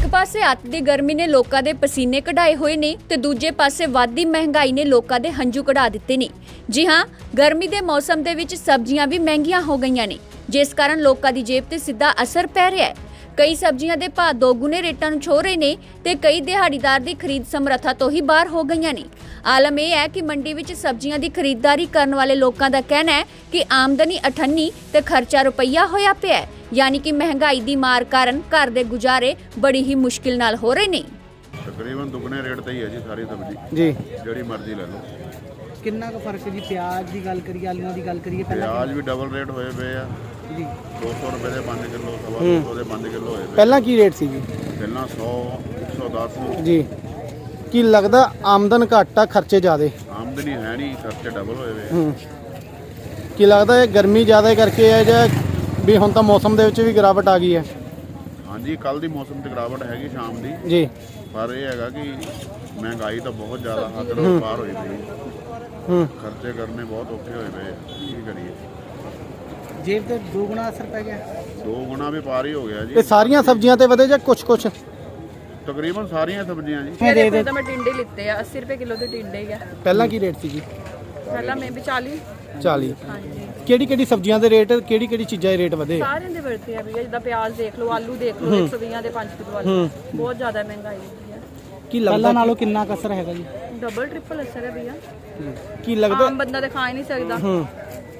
ਪਾਸੇ ਅੱਤ ਦੀ ਗਰਮੀ ਨੇ ਲੋਕਾਂ ਦੇ ਪਸੀਨੇ ਕਢਾਏ ਹੋਏ ਨੇ ਤੇ ਦੂਜੇ ਪਾਸੇ ਵੱਧਦੀ ਮਹਿੰਗਾਈ ਨੇ ਲੋਕਾਂ ਦੇ ਹੰਝੂ ਕਢਾ ਦਿੱਤੇ ਨੇ। ਜੀ ਹਾਂ, ਗਰਮੀ ਦੇ ਮੌਸਮ ਦੇ ਵਿੱਚ ਸਬਜ਼ੀਆਂ ਵੀ ਮਹਿੰਗੀਆਂ ਹੋ ਗਈਆਂ ਨੇ, ਜਿਸ ਕਾਰਨ ਲੋਕਾਂ ਦੀ ਜੇਬ ਤੇ ਸਿੱਧਾ ਅਸਰ ਪੈ ਰਿਹਾ ਹੈ। ਕਈ ਸਬਜ਼ੀਆਂ ਦੇ ਭਾਅ ਦੋਗੁਣੇ ਰੇਟਾਂ ਨੂੰ ਛੂਹ ਰਹੇ ਨੇ ਤੇ ਕਈ ਦਿਹਾੜੀਦਾਰ ਦੀ ਖਰੀਦ ਸਮਰੱਥਾ ਤੋਂ ਹੀ ਬਾਹਰ ਹੋ ਗਈਆਂ ਨੇ। ਆਲਮ ਇਹ ਹੈ ਕਿ ਮੰਡੀ ਵਿੱਚ ਸਬਜ਼ੀਆਂ ਦੀ ਖਰੀਦਦਾਰੀ ਕਰਨ ਵਾਲੇ ਲੋਕਾਂ ਦਾ ਕਹਿਣਾ ਹੈ ਕਿ ਆਮਦਨੀ 98 ਤੇ ਖਰਚਾ ਰੁਪਈਆ ਹੋਇਆ ਪਿਆ ਹੈ, यानी कि महंगाई दी मार कारण घर दे गुजारे बड़ी ही मुश्किल नाल हो रहे ने। तकरीबन दुगने रेट ते ही है जी सारी सब्जी जी, जेड़ी मर्जी ले लो। किन्ना का फर्क है जी? प्याज की गल करिए, आलूआं की गल करिए, प्याज भी डबल रेट होए पे आ जी, 200 रुपए दे 5 किलो, 250 दे 5 किलो होए पे। पहला की रेट सी जी? पहला 100 110 जी। की लगदा आमदन घट आ, खर्चे ज़्यादा? आमदनी है नहीं, खर्चे डबल होए पे। की लगदा है गर्मी ज़्यादा करके है या भी हुण तां मौसम दे विच भी गिरावट आ गई है? हाँ जी, कल दी मौसम ते गिरावट हैगी शाम दी, जी, पर यह हैगा कि महंगाई तो बहुत ज़्यादा हद ਤੋਂ पार होई पई, खर्चे करने बहुत औखे होए पे। की करिए, जेब ते दो गुना असर पै गया, 2 गुना भी पार ही हो गया ते जी। सारियां सब्जियां ते वधे या कुछ तकरीबन सारियां सब्जियां जी। ये देखो तो मैं टिंडे लिते हैं 80 रुपए किलो के टिंडे ही है। पहला की रेट सी जी? पहला मैं भी 40। 40। हाँ जी, ਕਿਹੜੀ ਸਬਜ਼ੀਆਂ ਦੇ ਰੇਟ, ਕਿਹੜੀ ਚੀਜ਼ਾਂ ਦੇ ਰੇਟ ਵਧੇ? सारे दे बढ़ते हैं भैया, जिदा प्याज देख लो, आलू देख लो, 120 ਦੇ 5 किलो आलू, बहुत ज्यादा महंगाई है। ਕੀ ਲੱਗਦਾ ਨਾਲੋਂ ਕਿੰਨਾ ਅਸਰ ਹੈਗਾ ਜੀ? डबल ट्रिपल असर है भैया, ਕੀ ਲੱਗਦਾ आम बंदा तो खा ही नहीं सकता।